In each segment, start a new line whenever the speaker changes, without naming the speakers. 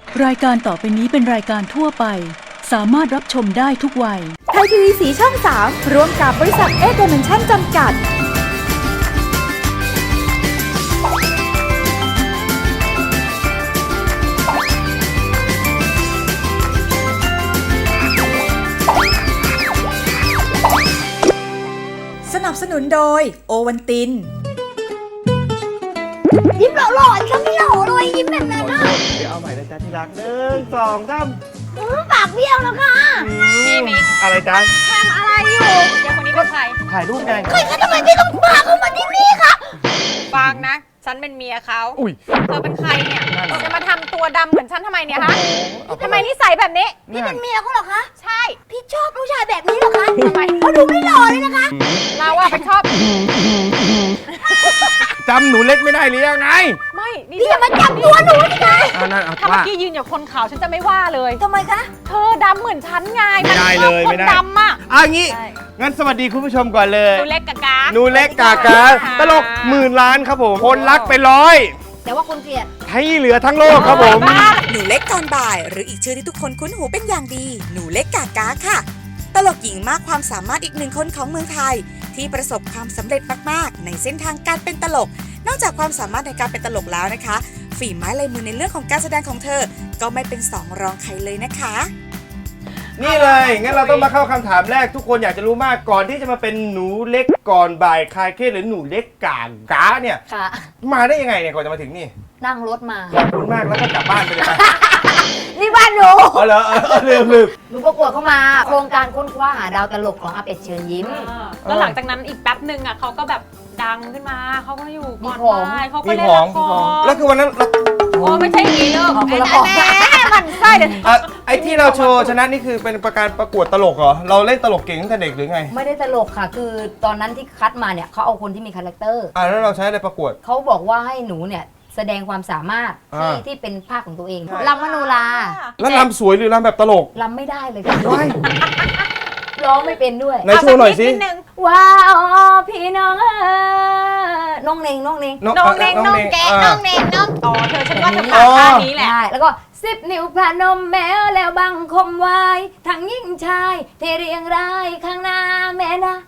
รายการต่อไปนี้เป็นรายการทั่วไปสามารถรับชมได้ทุกวัย
ไทยทีวีสีช่อง 3ร่วมกับบริษัทเอเดเมนชั่นจำกัดสนับสนุนโดยโอวันติน
ยิ้มหล่อๆฉันไม่หล่อเลยยิ้มแบบนั้นนะ
เดี๋ยวเอาใหม่นะจ๊ะที่รัก1 2 3
ปากเบี้ยวแล้วค่ะ
พี่มิกอะไรจ๊ะ
ทำอะไรอยู่
เดี๋ยวคนนี้เป็นใคร
ถ่ายรูปไง
ใครคะทำไมพี่ต้องพาเขามาที่นี่คะ
ฟังนะฉันเป็นเมียเขาเธอเป็นใครเนี่ยจะมาทำตัวดำเหมือนฉันทำไมเนี่ยฮะทำไมนิสัยแบบนี้
พี่เป็นเมียเขาเหรอคะ
ใช่
พี่ชอบผู้ชายแบบนี้เหรอคะทำไมเขาดูไม่หล่อเลยนะคะ
เราอะไปชอบ
จำหนูเล็กไม่ได้หรือยังไง
ไม่นี่
พี่อย่ามาจับตัวหนูสิคะ
ถ้าเมื่อกี้ยืนอยู่คนขาวฉันจะไม่ว่าเลย
ทำไมคะ
เธอดำเหมือนฉันไง
ไม่ได้เลย
ไม่ได้คนดำอะ
งี้งั้นสวัสดีคุณผู้ชมก่อนเลย
หนูเล็กกากา
หนูเล็กกากาตลก10,000 ล้านครับผมคนรักไป100
แต่ว่าคนเกลียด
ให้เหลือทั้งโลกครับผม
หนูเล็กก่อนบ่ายหรืออีกชื่อที่ทุกคนคุ้นหูเป็นอย่างดีหนูเล็กกากาค่ะตลกหญิงมากความสามารถอีกหนึ่งคนของเมืองไทยที่ประสบความสำเร็จมากๆในเส้นทางการเป็นตลกนอกจากความสามารถในการเป็นตลกแล้วนะคะฝีไม้ลายมือในเรื่องของการแสดงของเธอก็ไม่เป็นสองรองใครเลยนะคะ
นี่เลยงั้นเราต้องมาเข้าคำถามแรกทุกคนอยากจะรู้มากก่อนที่จะมาเป็นหนูเล็กก่อนบ่ายคลายเครียดหรือหนูเล็กกาเนี่ยมาได้ยังไงเนี่ยก่อนจะมาถึงนี่
นั่งรถมา
ขอบคุณมากแล้วก็กลับบ้านไปเลย
นี่บ้านหนู
เหรอลืม
หนูประกวดเข้ามาโครงการค้นคว้าหาดาวตลกของอาเป็ดเชิญยิ้ม
แล้วหลังจากนั้นอีกแป๊บนึงอะเขาก็แบบดังขึ้นมาเขาก็อยู่ก่อนบ่ายเขาก็
เล่
นละคร
แล้วคือวันนั้น
โอ้ไม่ใช่อย่างนี้เลย
คนละคร
มันไส้เดี๋ยว
ไอ้ที่เราโชว์ชนะนี่คือเป็นการประกวดตลกเหรอเราเล่นตลกเก่งตั้งแต่เด็กหรือไง
ไม่ได้ตลกค่ะคือตอนนั้นที่คัดมาเนี่ยเขาเอาคนที่มีคาแรคเตอร์
แล้วเราใช้อะไรประกวด
เขาบอกว่าให้หนูเนี่ยแสดงความสามารถที่เป็นภาคของตัวเองรำมโนรา
แล้วรำสวยหรือรำแบบตลก
รำไม่ได้เลยค่ะร้องไม่เป็นด้วย
ในช่วงหน่อยสิ
ว้าวพี่น้องน้องเน่ง
น้องแกน้องเน่งน้องต่อเธอฉันว่าเธอผ่านท่านี้แหละ
แล้วก็10 นิ้วพนมแม้แล้วบังคมไว้ทั้งยิ่งชายเทเรียงรายข้างหน้าแม่นะ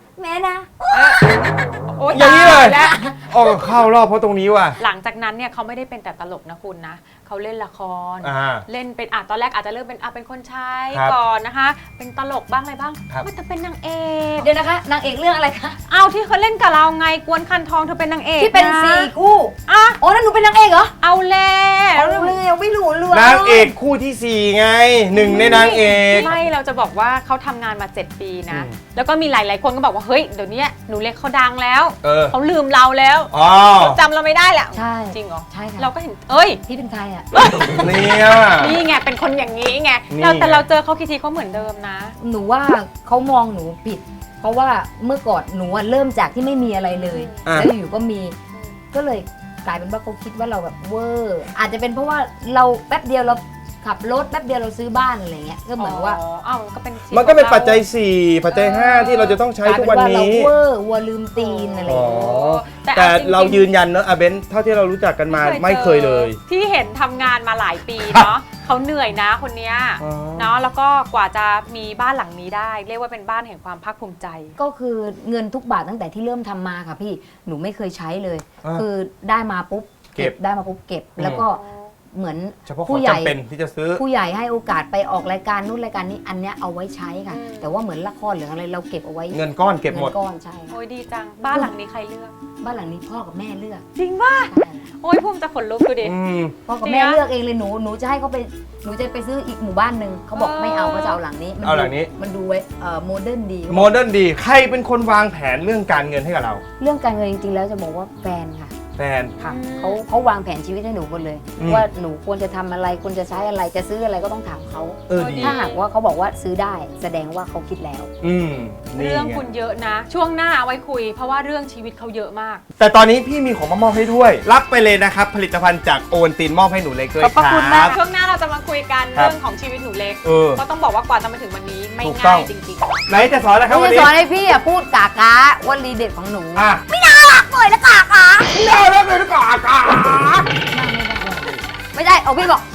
อย่างนี้เลยเข้ารอบเพราะตรงนี้ว่ะ
หลังจากนั้นเนี่ยเขาไม่ได้เป็นแต่ตลกนะคุณนะเขาเล่นละครเล่นเป็นตอนแรกอาจจะเริ่มเป็นคนใช้ก่อนนะคะเป็นตลกบ้างอะไรบ้างมันจะเป็นนางเอก
เดี๋ยวนะคะนางเอกเรื่องอะไรคะ
เอาที่เขาเล่นกับเราไงกวนคันทองเธอเป็นนางเอก
ที่เป็น4 คู่โอ้นั่นหนูเป็นนางเอกเหรอ
เอาแล้ว
ไม่รู้เรื่อง
นางเอกคู่ที่4ไง1ในนางเอก
ไม่เราจะบอกว่าเขาทำงานมา7 ปีนะแล้วก็มีหลายๆคนก็บอกว่าเฮ้ยเดี๋ยวนี้หนูเล็กเขาดังแล้วเขาลืมเราแล้วเขาจำเราไม่ได้แหละ
ใช่
จริงเหรอ
ใช่ค่ะ
เราก็เห็นเอ้ย
พี่เป็นใครอ่ะ
นี่
ไงเป็นคนอย่างนี้ไงแต่เราเจอเขาทีเขาเหมือนเดิมนะ
หนูว่าเขามองหนูผิดเพราะว่าเมื่อก่อนหนูเริ่มจากที่ไม่มีอะไรเลยแล้วอยู่ก็มีก็เลยกลายเป็นว่าเขาคิดว่าเราแบบเวอร์อาจจะเป็นเพราะว่าเราแป๊บเดียวเราขับรถแป๊บเดียวเราซื้อบ้านอะไรเงี้ยก็เหมือนว่า
มันก็เป็นปัจจัย4ปัจจัย5ที่เราจะต้องใช้ทุกวันนี้
เราเวอร์วัวลืมตีนอะไร
แต่เรายืนยันเนอะเบนเท่าที่เรารู้จักกันมาไม่เคยเลย
ที่เห็นทำงานมาหลายปีเนาะเขาเหนื่อยนะคนนี้เนาะแล้วก็กว่าจะมีบ้านหลังนี้ได้เรียกว่าเป็นบ้านแห่งความภาคภูมิใจ
ก็คือเงินทุกบาทตั้งแต่ที่เริ่มทำมาค่ะพี่หนูไม่เคยใช้เลยคือได้มาปุ๊บเก็บได้มาปุ๊บเก็บแล้วก็เหมือน
ผู้ใหญ่เป็นที่จะซื้อ
ผู้ใหญ่ให้โอกาสไปออกรายการนู้นรายการนี้อันเนี้ยเอาไว้ใช้ค่ะแต่ว่าเหมือนละครหรืออะไรเราเก็บเอาไว้
เงินก้อนเก็บหมด
เงินก้อนใช่
โอ้ยดีจังบ้านหลังนี้ใครเลือก
บ้านหลังนี้พ่อกับแม่เลือก
จริงป่ะโอ้ยภูมิจะขนลุกดูดิ
พ่อกับแม่เลือกเองเลยหนูจะให้เขาไปหนูจะไปซื้ออีกหมู่บ้านนึงเขาบอกไม่เอาเขาจะเอาหลังนี้มันดูไว้โมเดิร์น
ดีใครเป็นคนวางแผนเรื่องการเงินให้กับเรา
เรื่องการเงินจริงๆแล้วจะบอกว่าแฟนค่ะค่ะเขาวางแผนชีวิตให้หนูหมดเลยว่าหนูควรจะทำอะไรควรจะใช้อะไรจะซื้ออะไรก็ต้องถามเขาถ้าหากว่าเขาบอกว่าซื้อได้แสดงว่าเขาคิดแล้ว
เรื่องคุณเยอะนะช่วงหน้าเอาไว้คุยเพราะว่าเรื่องชีวิตเขาเยอะมาก
แต่ตอนนี้พี่มีของมามอบให้ด้วยรับไปเลยนะครับผลิตภัณฑ์จากโอวัลตินมอบให้หนูเล็กด้วยครับ
ขอบคุณมากช่วงหน้าเราจะมาคุยกันเรื่องของชีวิตหนูเล็กก็ต้องบอกว่ากว่าจะมาถึงวันนี้ไม่ง่ายจริง
ๆไหนจะสอนอะไรครับวันนี้
จะสอนให้พี่พูดกากาวันรีเด็ดของหนู
ไม่น่ารักเลยนะกากาไม่น่ารักเลยนะกากา
ไม่ได้เอาพี่บอก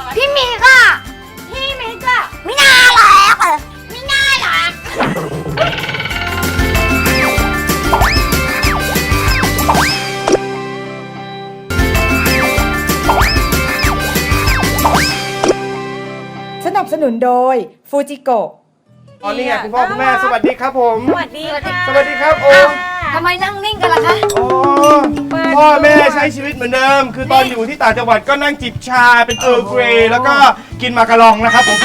พี่มิกอะพี่มิกอะไม่น่ารักอะไม่น่ารัก
สนับสนุนโดยฟูจิโกะ
อ๋อนี่ไงคุณพ่อคุณแม่สวัสดีครับผม
สวัสดีค่ะ
สวัสดีครับโอ้
ทำไมนั่งนิ่งกันล่ะคะ
อ๋อพ่อแม่ใช้ชีวิตเหมือนเดิม คือตอนอยู่ที่ต่างจังหวัดก็นั่งจิบชาเป็นเออร์เกรย์แล้วก็กินมาการองนะครับผม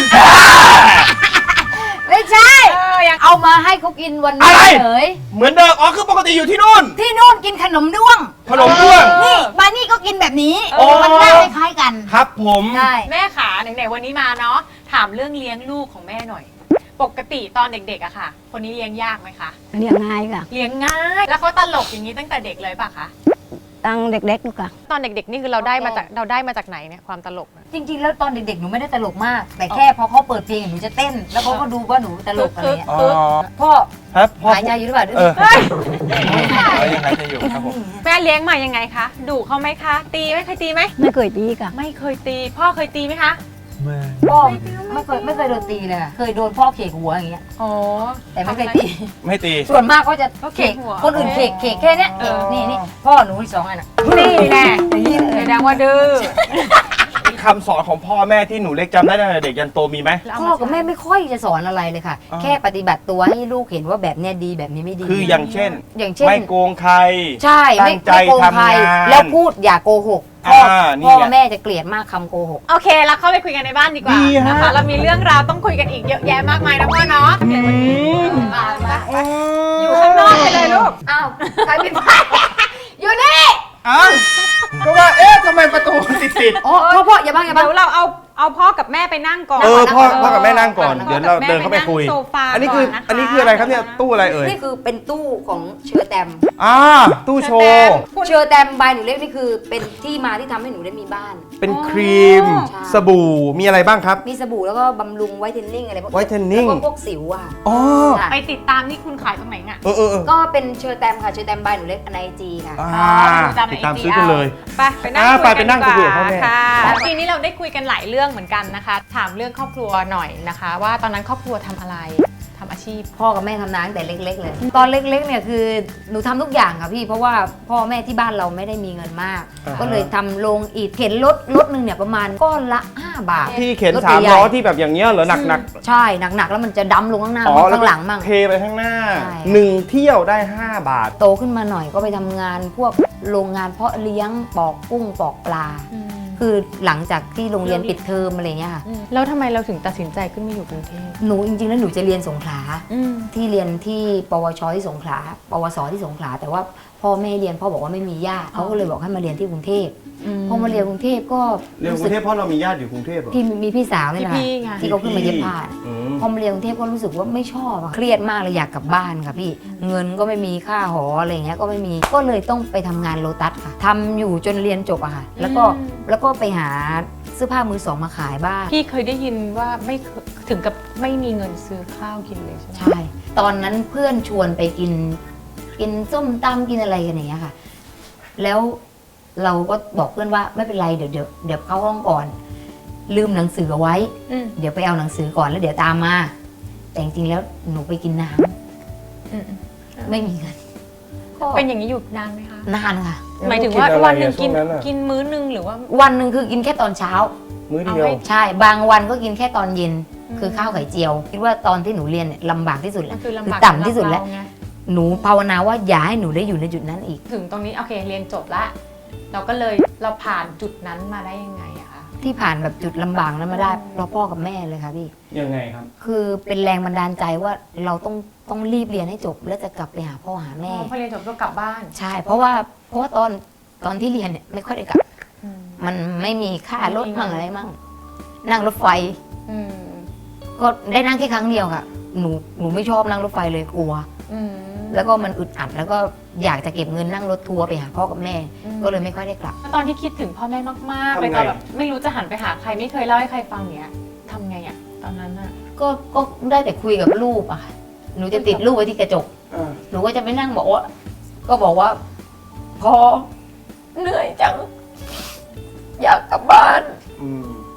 ไม่ใช่ยังเอามาให้เขากินวันนี้
อะไร
เฉย
เหมือนเดิมอ๋อคือปกติอยู่ที่นู่น
ที่นู่นกินขนมด้วง
ขนมด้วง
นี่มานี่ก็กินแบบนี้
โอ้
มันหน้าคล้ายๆกัน
ครับผม
ใช่
แม่ขาไหนๆวันนี้มาเนาะถามเรื่องเลี้ยงลูกของแม่หน่อย ปกติตอนเด็กๆอะค่ะ คนนี้เลี้ยงยากไหมคะ
เลี้ยงง่ายค่ะ
เลี้ยงง่ายแล้วเขาตลกอย่างนี้ตั้งแต่เด็กเลยป่ะคะ
ตั้งเด็กๆนู่นค่ะ
ตอนเด็กๆนี่คือเราได้มาจากไหนเนี่ยความตลกนะ
จริงๆ แล้วตอนเด็กๆ หนูไม่ได้ตลกมาก แต่แค่พอเขาเปิดเพลงหนูจะเต้น แล้วเขาก็ดูว่าหนูตลกอะไรเงี้ย
อ๋อ
พ่อ
ครับพ่อ
หายใจอยู่หรือเปล่า
เออ
เฮ้ย
ยังไงจะอยู่ครับผม
แม่เลี้ยงมายังไงคะดุเขาไหมคะ ตีไหมเคยตีไหม
ไม่เคยตีค่ะ
ไม่เคยตี พ่อเคยตีไหมคะ
พ่อไม่เคยโดนตีเลยค่ะเคยโดนพ่อเขกหัวอย่างเงี้ย
อ๋อ
แต่ไม่เคยตี
ไม่ตี
ส่วนมากก็จะ
เขาเขกหัว
คนอื่นเขกแค่เนี้ย
เออ
นี่พ่อหนูอีก2 อันอ่ะ
นี่แน่
อย่างนี้เลย
แสดงว่าดื้อ
คำสอนของพ่อแม่ที่หนูเล็กจำได้ตั้งแต่เด็กยันโตมีไหม
พ่อกับแม่ไม่ค่อยจะสอนอะไรเลยค่ะ
อ๋อ
แค่ปฏิบัติตัวให้ลูกเห็นว่าแบบเนี้ยดีแบบนี้ไม่ดี
คืออย่างเช่น
อย่างเช่น
ไม่โกงใคร
ใช่ไม่
ตั้งใจ
ไม่โกงใคร
ทำงาน
แล้วพูดอย่าโกหกพ่อ
นี่
พ่อ
ไง
แม่จะเกลียดมากคำโกหก
โอเคเราเข้าไปคุยกันในบ้านดีกว่า
ดีฮะ
นะคะเรามีเรื่องราวต้องคุยกันอีกเยอะแยะมากมายนะพ่อเนาะเดี๋ยววันนี้อยู่ข้างนอกไปเลยลูก
อ้าวใครปิดไฟอยู่นี่
อ้าวก็ว่าเอ๊ะทำไมประตูติด
อ๋อพ่ออย่าบ้างอย่าบ้าง
เดี๋ยวเราเอาพ่อกับแม่ไปนั่งก่อน
เออพ่อ
นั่งก่อน
พ่อกับแม่นั่งก่อน
นั่งก่อน
เดี๋ยวเราเดินเข้าไปคุย
แม่ไปนั่งโซฟา
อันนี้คือ
ก่อนนะคะ
อันนี้คืออะไรครับเนี่ยตู้อะไรเอ่ย
นี่คือเป็นตู้ของเชอร์แตม
ตู้โชว์
เชอร์แตมบายหนูเล็กนี่คือเป็นที่มาที่ทำให้หนูได้มีบ้าน
เป็นครีม
ใช่
สบู่มีอะไรบ้างครับ
มีสบู่แล้วก็บำรุงไวท์เทนนิ่งอะไรพวก
whitening
แล้วก็พวกสิวอ่ะ
อ๋อ
ค่ะ
ไปติดตามนี่คุณขายตรงไหนอ่ะ
เออ
ก็เป็นเชอร์แตมค่ะเชอร์แตมบายหนูเล็กในไอจีค่ะ
ติดตามซื้อกันเลย
ไปนั่ง
ไปนั่งคุยกับพ่อแม่
ค่ะทีนี้เราได้คุยกันหลายเรื่องเหมือนกันนะคะ ถามเรื่องครอบครัวหน่อยนะคะ ว่าตอนนั้นครอบครัวทำอะไรทำอาชีพ
พ่อกับแม่ทำนาตั้งแต่เล็ก ๆ เลย ตอนเล็กๆเนี่ยคือหนูทำทุกอย่างค่ะพี่เพราะว่าพ่อแม่ที่บ้านเราไม่ได้มีเงินมาก ก็เลยทำโรงอิฐเข็นรถหนึ่งเนี่ยประมาณก้อนละ5 บาท
ที่เข็น
รถ
สาม
ใหญ่ๆ
ล้อที่แบบอย่างเงี้ยเหรอหนัก
ใช่หนักๆแล้วมันจะดำลงข้างหน้า
ๆอ๋อ
มั่ง
แล้ว
ข้างหลังมั่ง
เทไปข้างหน้า
ใช่
1 เที่ยวได้ 5 บาท
โตขึ้นมาหน่อยก็ไปทำงานพวกโรงงานเพาะเลี้ยงปอกกุ้งปอกปลา คือหลังจากที่โรงเรียนปิดเทอมอะไรเงี้ยค่ะ
แล้วทำไมเราถึงตัดสินใจขึ้นมาอยู่กรุงเทพ
หนูจริงๆแล้วหนูจะเรียนสงขลาที่เรียนที่ปวชที่สงขลาปวสที่สงขลาแต่ว่าพ่อแม่เรียนพ่อบอกว่าไม่มีญาติเขาก็เลยบอกให้มาเรียนที่กรุงเทพพอมาเรียนกรุงเทพก็
เรียนกรุงเทพเพราะเรามีญาติอยู่กรุงเทพเหรอ
ที่มีพี่สาวนี่แหละ
พี่ไง
ที่เขาขึ้นมาเย็บผ้า
อืม
พอมาเรียนกรุงเทพก็รู้สึกว่าไม่ชอบอะเครียดมากเลยอยากกลับบ้านค่ะพี่เงินก็ไม่มีค่าหออะไรเงี้ยก็ไม่มีก็เลยต้องไปทำงานโลตัสค่ะทำอยู่จนเรียนจบอะค่ะแล้วก็ไปหาเสื้อผ้ามือสองมาขายบ้าง
พี่เคยได้ยินว่าไม่เคยถึงกับไม่มีเงินซื้อข้าวกินเลยใช่ไหม
ใช่ ตอนนั้นเพื่อนชวนไปกินส้มตำกินอะไรกันอย่างเงี้ยค่ะ แล้วเราก็บอกเพื่อนว่าไม่เป็นไรเดี๋ยวเข้าห้องก่อน ลืมหนังสือเอาไว้ เดี๋ยวไปเอาหนังสือก่อนแล้วเดี๋ยวตามมา แต่จริงๆแล้วหนูไปกินน้ำไม่มีเงินก็
เป็นอย่างนี้อยู่นานไหมคะ
นานค่ะ
หมายถึงว่า
แล้ว
วันหนึ่ง
กิ
กิ
น
น
อะไรอะช่วงนั้นอะ
กินมื้อนึงหรือว่า
วันหนึ่งคือกินแค่ตอนเช้า
มื้อเดียว
เอาให้
ใช่ บางวันก็กินแค่ตอนเย็น คือข้าวไข่เจียว คิดว่าตอนที่หนูเรียนเนี่ยลำบากที่สุดแล้
มั
วน
คือลำบาก
ต่ำที่สุดแล้ว
สำหรับเราไง
หนูภาวนาว่าอย่าให้หนูได้อยู่ในจุดนั้นอีก
ถึงตรงนี้โอเคเรียนจบละเราก็เลยเราผ่านจุดนั้นมาได้ยังไงอะคะ
ที่ผ่านแบบจุดลำบากนั้นมาได้เพราะพ่อกับแม่เลยค่ะพี่
ยังไงครับ
คือเป็นแรงบันดาลใจว่าเราต้องรีบเรียนให้จบ แล้วจะกลับไปหาพ่อหาแม่
พอเรียนจบก็กลับบ้าน
ใช่ เพราะว่าตอนที่เรียนเนี่ยไม่ค่อยได้กลับ มันไม่มีค่ารถมั่งอะไรมั่ง นั่งรถไฟ
อืม
ก็ได้นั่งแค่ครั้งเดียวค่ะ หนูไม่ชอบนั่งรถไฟเลยกลัว
อืม
แล้วก็มันอึดอัดแล้วก็อยากจะเก็บเงินนั่งรถทัวร์ไปหาพ่อกับแม่ ก็เลยไม่ค่อยได้กลับ
ตอนที่คิดถึงพ่อแม่มากๆ
ทำไง
เลยตอนแบบไม่รู้จะหันไปหาใครไม่เคยเล่าให้ใครฟังเนี้ยทำไงอะตอนนั้นอะ
ก็ได้แต่คุยกับรูปอะค่ะ หนูจะติดรูปไว้ที่กระจก หนูก็จะไปนั่งบอกว่า พอเหนื่อยจัง อยากกลับบ้าน
อืม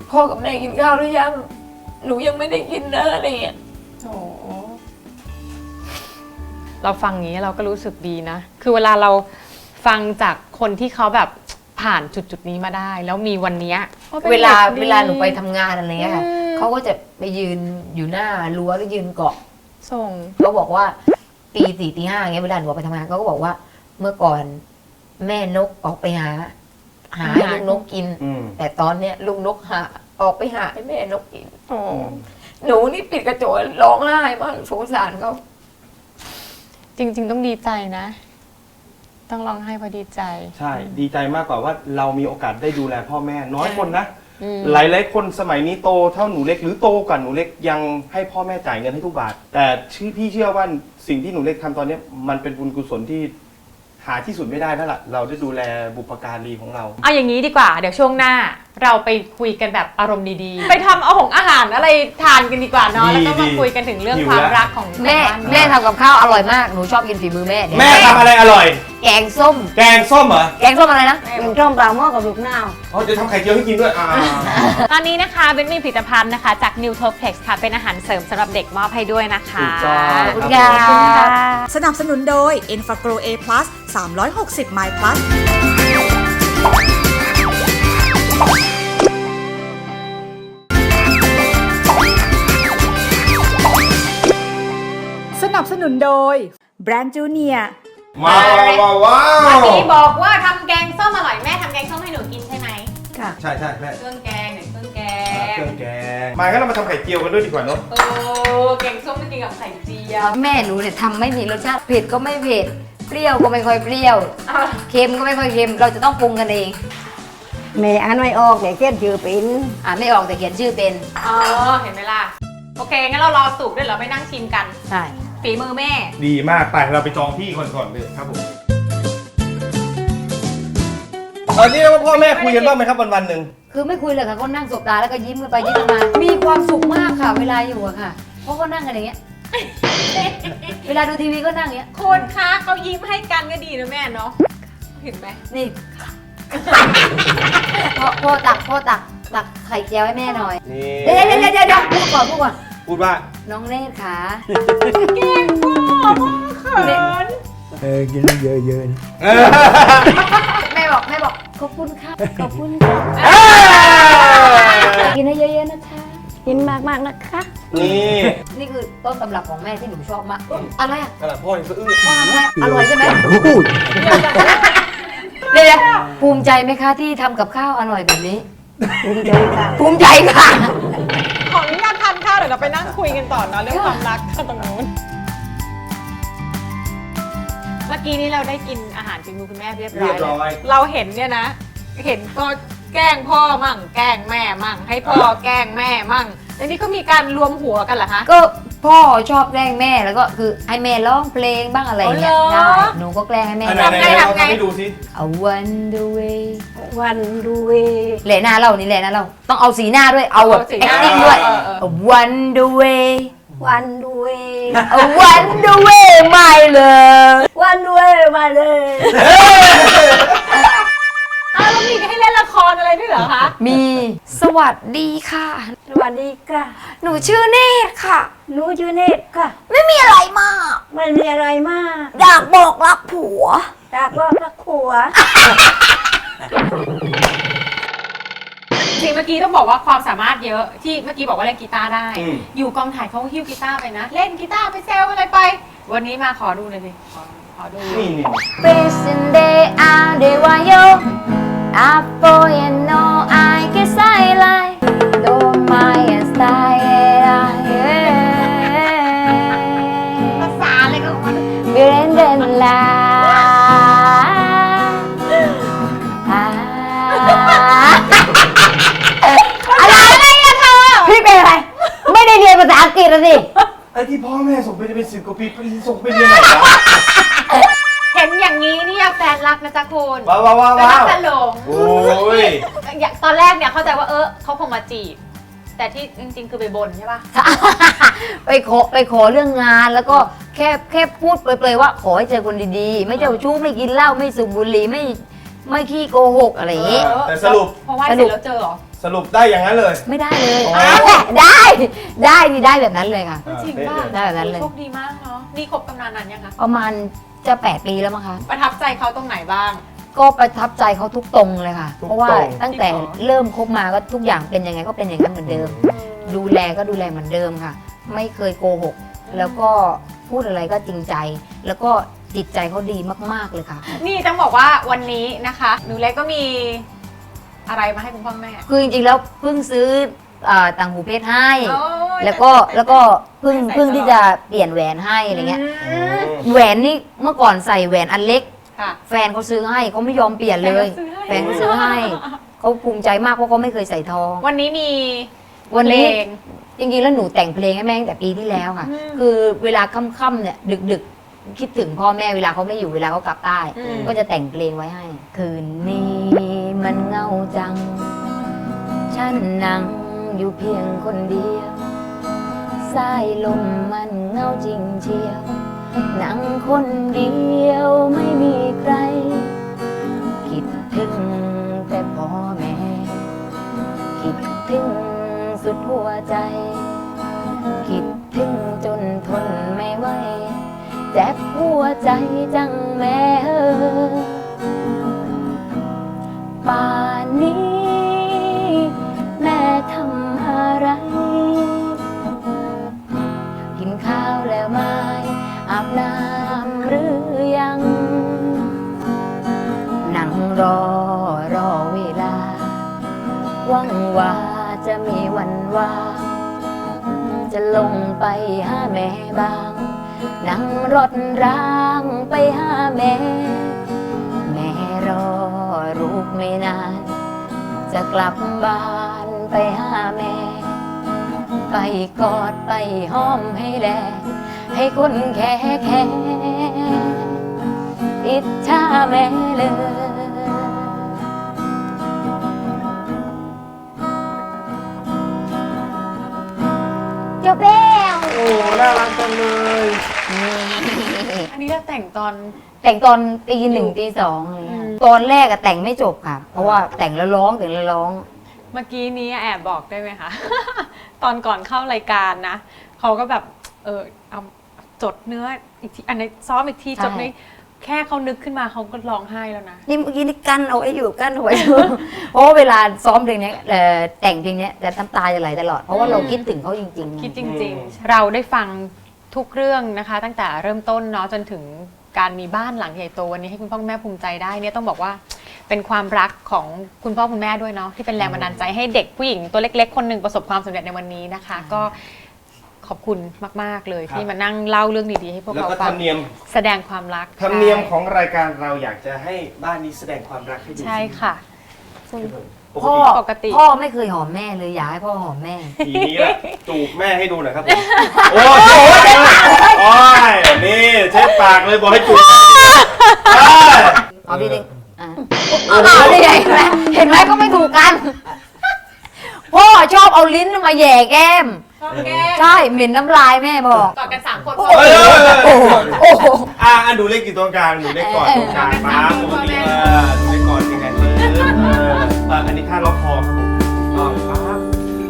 พ่อกับแม่กินข้าวหรือยังหนูยังไม่ได้กินนะอะไรอย่างเงี้ย
โอ้เราฟังอย่างนี้เราก็รู้สึกดีนะ คือเวลาเราฟังจากคนที่เขาแบบผ่านจุดนี้มาได้ แล้วมีวันเนี้ย
เวลาหนูไปทำงานอะไรเงี้ยค่ะเขาก็จะไปยืนอยู่หน้ารั้วแล้วยืนเกาะ
ส่ง
เขาบอกว่าตี 4 ตี 5อย่างเงี้ยเวลาหนูออกไปทำงานเขาก็บอกว่าเมื่อก่อนแม่นกออกไปหาให้ลูกนกกิน แต่ตอนเนี้ยลูกนกออกไปหาให้แม่นกกิน
โอ้
หนูนี่ปิดกระจกร้องไห้มากสงสารเขา
จริง ๆ ต้องดีใจนะ ต้องร้องไห้เพราะดีใจ
ใช่ดีใจมากกว่าว่าเรามีโอกาสได้ดูแลพ่อแม่น้อยคนนะ
อืม
หลายๆคนสมัยนี้โตเท่าหนูเล็กหรือโตกว่าหนูเล็กยังให้พ่อแม่จ่ายเงินให้ทุกบาท แต่พี่เชื่อว่าสิ่งที่หนูเล็กทำตอนนี้มันเป็นบุญกุศลที่หาที่สุดไม่ได้แล้วล่ะเราได้ดูแลบุพการีของเรา
เอาอย่างนี้ดีกว่า เดี๋ยวช่วงหน้าเราไปคุยกันแบบอารมณ์ดีๆ ไปทำอาหารอะไรทานกันดีกว่าเนาะ
ดี
แล้วก็มา
ดี
คุยกันถึงเรื่อง
หิว
ความ
แล้ว
รักของ
แม่
บ้าน
แม่ทำกับข้าวอร่อยมากหนูชอบกินฝีมือแม่เดี๋ยว
แม่ทำอะไรอร่อย
แกงส้ม
แกงส้มเหรอ
แกงส้มอะไรนะ
เป็นต้มปลาหม้อกับลูกนาว
อ๋อจะทำไข่เจียวให้กินด้วย
ตอนนี้นะคะเบนมีผลิตภัณฑ์นะคะจาก n e w t o p l e x ค่ะเป็นอาหารเสริมสำหรับเด็กมอบให้ด้วยนะคะ
ถูกต้อง
ขอบคุณ
ครั
ค่ะ
บ
สนับสนุนโดย e n f a g r o A+ 360 My Plus สนับสนุนโดยแบรนด์จูเนีย
ว้าว
เมื่อกี้บอกว่าทำแกงส้มอร่อยแม่ทำแกงส้มให้หนูกินใช่ไหม
ค่ะ
ใช่ใช่แม่
เครื่องแกงไหนเครื่องแก
เครื่องแกงมางั้นเรามาทำไข่เจียวกันด้วยดีกว่าเนาะ
โอ้แกงส้มไม่กินกับไข่เจียว
แม่หนูเนี่ยทำไม่มีรสชาติเผ็ดก็ไม่เผ็ดเปรี้ยวก็ไม่ค่อยเปรี้ยวเค็มก็ไม่ค่อยเค็มเราจะต้องปรุงกันเอง
แม่อ่านไม่ออกแต่เขียนชื่อเป็น
อ่านไม่ออกแต่เขียนชื่อเป็น
อ๋อเห็นไหมล่ะโอเคงั้นเรารอสุกด้วยเหรอไปนั่งชิมกัน
ใช่
ฝีมือแม่
ดีมากไปเราไปจองที่ก่อนเลยครับผมตอนนี้ว่าพ่อแม่คุยกันบ้างไหมครับวันๆหนึ่ง
คือไม่คุยเลยค่ะก็นั่งสบตาแล้วก็ยิ้มกันไปยิ้มกันมา มีความสุขมากค่ะ เวลาอยู่อะค่ะ เพราะก็นั่งกันอย่างเงี้ย เวลาดูทีวีก็นั่งอย่างเงี้ย
คนคะเขายิ้มให้กันก็ดีนะแม่เนาะเห็นไหม
นี่ พ่อตักไข่เจียวให้แม่หน่อย
นี่
เดี๋ยวพูดก่อน
พูดว่า
น้องเนตรค่ะ
เก่งพ่อเขิน
กินเยอะๆนะ
แม่บอกขอบคุณครับขอบคุณครับกินให้เยอะๆนะคะ
กินมากๆนะคะ
นี่
นี่คือต้นตำรับของแม่ที่หนูชอบมากอะไรอะ
ขนาดพ่อยังสะอื้น
พ่อทำอะไรอร่อยใช่ไหม
พูด
เดี๋ยวภูมิใจไหมคะที่ทำกับข้าวอร่อยแบบนี้
ภูมิใจค่ะ
ภูมิใจค่ะ
ขออนุญาตทานข้าวเดี๋ยวเราไปนั่งคุยกันต่อเนาะเรื่องความรักตรงนู้นเมื่อกี้นี้เราได้กินอาหารฝีมือคุณแม่เรียบร้อยแล้วเราเห็นเนี่ยนะ เห็นก็แกล้งพ่อมั่งแกล้งแม่มั่ง ให้พ่อแกล้งแม่มั่งแล้วนี่ก็มีการรวมหัวกันเหรอคะ
ก็พ่อชอบแกล้งแม่แล้วก็คือให้แม่ร้องเพลงบ้างอะไรอย่างเงี้ย
อ๋อเหร
ใช่
อ
หนูก็แกล้งให้แม่
อัน
ร้อง
ไหนๆเราทำให้ดูสิ
I wonder way
วันดูเว
แหล่หน้าเรานี่แหล่หน้าเราต้องเอาสีหน้าด้วยเอาแบบ
เอาสีหน้า
acting ด้วย
เออ
I wonder way
วันดูเว
I wonder way my love
วันดูเวมาเลย
อ้าวแล้วมีให้เล่นละครอะไรด้วยเหรอคะ
มีสวัสดีค่ะ
สวัสดีค่ะ
หนูชื่อเนตรค่ะ
หนูชื่อเนตรค่ะ
ไม่มีอะไรมาก
ไม่มีอะไรมาก
อยากบอกรักผัว
จากรอบรักขัว
จริงเมื่อกี้ต้องบอกว่าความสามารถเยอะที่เมื่อกี้บอกว่าเล่นกีตาร์ได้
อืม
อยู่กองถ่ายเขาหิ้วกีตาร์ไปนะ เล่นกีตาร์ไปแซวอะไรไป วันนี้มาขอดูหน่อยสิขอดู
นี่
Presente ade wayo Apo ya no I guess I like Don't mind style ภาษาอะไรก็มันเบรนเดนลาอะไรอะเธอพี่เป็นอะไร ไม่ได้เรียนภาษาอังกฤษอะสิ
ไอ้ที่พ่อแม่ส่งไปเป็น10 กว่าปีไปส่งไปเรียนไหนวะ
เห็นอย่างนี้เนี่ยแฟนรักนะจ๊ะคุณ
ว้าว
แฟนรักจะหลง
โอ้ย
อย่างตอนแรกเนี่ยเข้าใจว่าเขาคงมาจีบ แต่ที่จริงๆคือไปบนใช่ปะ
ไปขอเรื่องงานแล้วก็แค่พูดเปรยๆว่าขอให้เจอคนดีๆ ไม่เจ้าชู้ไม่กินเหล้าไม่สูบบุหรี่ไม่ขี้โกหกอะไรอย่างงี้
แต่สรุป
เพราะว่าเสร็จแล้วเจอเหรอ
สสรุปได้อย่างนั้นเลย
ไม่ได้เลย
อ๋อ
ได้นี่ได้แบบนั้นเลยค่ะ
จริงป่ะ
ได้แบบนั้นเลย
โชคดีมากเนาะนี่คบกันนานนั้นยังคะ
ประมาณจะ8 ปีแล้วมั้งคะ
ประทับใจเขาตรงไหนบ้าง
ก็ประทับใจเขาทุกตรงเลยค่ะ
ทุก
เพราะว่า
ตรง
ตั้งแต่เริ่มคบมาก็ทุกอย่างเป็นยังไงก็เป็นอย่างนั้นเหมือนเดิม ดูแลก็ดูแลเหมือนเดิมค่ะ ไม่เคยโกหก แล้วก็พูดอะไรก็จริงใจ แล้วก็จิตใจเขาดีมากๆเลยค่ะ
นี่ต้องบอกว่าวันนี้นะคะหนูเล็กก็มีอะไรมาให้คุณพ่อแม่
คือจริงๆแล้วเพิ่งซื้อต่างหูเพชรให้
โอ้ย
แล้วก็เพิ่งที่จะเปลี่ยนแหวนให้อะไรเงี้ย แหวนนี่เมื่อก่อนใส่แหวนอันเล็ก
ค่ะ
แฟนเขาซื้อให้เขาไม่ยอมเปลี่ยนเลย แฟนเขาซื้อให้เขาภูมิใจมากเพราะเขาไม่เคยใส่ทอง
วันนี้มี
วันนี้
เพลง
จริงๆแล้วหนูแต่งเพลงให้แม่ตั้งแต่ปีที่แล้วค่ะ
อืม
คือเวลาค่ำๆเนี่ยดึกๆ คิดถึงพ่อแม่เวลาเขาไม่อยู่เวลาเขากลับใต้
อืม
ก็จะแต่งเพลงไว้ให้ คืนนี้มันเหงาจัง ฉันนั่งอยู่เพียงคนเดียวสายลมมันเหงาจริงเชียว นั่งคนเดียวไม่มีใคร คิดถึงแต่พ่อแม่ คิดถึงสุดหัวใจ คิดถึงจนทนไม่ไหวเจ็บหัวใจจังแม่เอ้ยป่านนี้แม่ทำอะไร กินข้าวแล้วไหมอาบน้ำหรือยัง นั่งรอเวลา หวังว่าจะมีวันว่างจะลงไปหาแม่บ้าง นั่งรถรางไปหาแม่ แม่รอลูกไม่นาน จะกลับบ้านไปหาแม่ ไปกอดไปห้อมให้แล ให้คนแค่อิจฉาแม่เลย จบแล้ว
โอ้น่ารักจังเลย
อันนี้เราแต่งตอน
แต่งตอนตี 1 ตี 2อะไรเงี้ย
อืม
ตอนแรกอะแต่งไม่จบค่ะ เพราะว่าแต่งแล้วร้อง เ
เมื่อกี้นี้แอบบอกได้ไหมคะ ตอนก่อนเข้ารายการนะเขาก็แบบเอาจดเนื้ออีกทีอันนี้ซ้อมอีกทีจดในแค่เขานึกขึ้นมาเขาก็ร้องไห้แล้วนะ
นี่เมื่อกี้นี่กั้นเอาไว้อยู่กั้นเอาไว้อยู่ เพราะว่าเวลาซ้อมเพลงเนี้ยแต่งเพลงเนี้ยจะน้ำตาจะไหลตลอด เพราะว่าเราคิดถึงเขาจริงๆ
คิดจริงๆ เราได้ฟังทุกเรื่องนะคะ ตั้งแต่เริ่มต้นเนาะจนถึงการมีบ้านหลังใหญ่โตวันนี้ให้คุณพ่อคุณแม่ภูมิใจได้เนี่ยต้องบอกว่าเป็นความรักของคุณพ่อคุณแม่ด้วยเนาะที่เป็นแรงบันดาลใจให้เด็กผู้หญิงตัวเล็กๆคนหนึ่งประสบความสำเร็จในวันนี้นะคะ ก็ขอบคุณมากๆเลยที่มานั่งเล่าเรื่องดีๆให้พวก
แล้ว
เรา
ก็
ฟั
ธ
ง
รรมเนียม
แสดงความรัก
ธรรมเนียมของรายการเราอยากจะให้บ้านนี้แสดงความรักให้ดู
ใช่ค่ะ
ปก
พ่อ
ติ
ปกติ
พ่อไม่เคยหอมแม่เลยอยากให้พ่อหอมแม่
ทีนี้ละจูบแม่ให้ดูหน่อยครับผมโอ้ยโอ้ยนี่เช็ดปากเลยบอกให้จูบ
เอาพี่ดิเอาดิเห็นไหมก็ไม่ถูกกัน พ่อชอบเอาลิ้นมาแหย่แก้ม
ชอบแก้
ใช่เหม็นน้ำลายแม่บอก
กอดกัน3 คน
โอ้โห
ดูเลขกี่ตัวกลางดูเลขก่อนตรงกลางมาปกติดูเลขก่อนยังไงอันนี้ท่าล็อกคอครับผมปั๊บ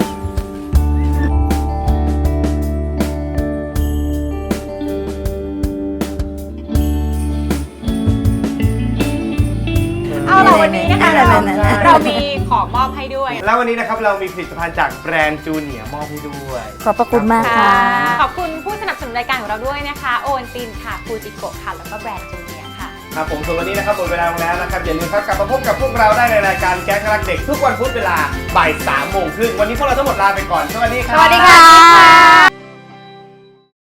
เอาล่ะวันนี้นะคะเรามีของมอบให้ด้วย
แล้ววันนี้นะครับเรามีผลิตภัณฑ์จากแบรนด์จูเนียร์มอบให้ด้วย
ขอบพระคุณมากค่ะ
ขอบคุณผู้สนับสนุนรายการของเราด้วยนะคะโอวัลตินค่ะฟูจิโกะค่ะแล้วก็แบรนด์จูเนียร์ค่ะ
ครับผมส่วนวันนี้นะครับหมดเวลาแล้วนะครับอย่าลืมครับกลับมาพบกับพวกเราได้ในรายการแก๊งรักเด็กทุกวันพุธเวลาบ่าย 3 โมงครึ่งวันนี้พวกเราทั้งหมดลาไปก่อนสวัสดีครับ
สวัสดีค่ะ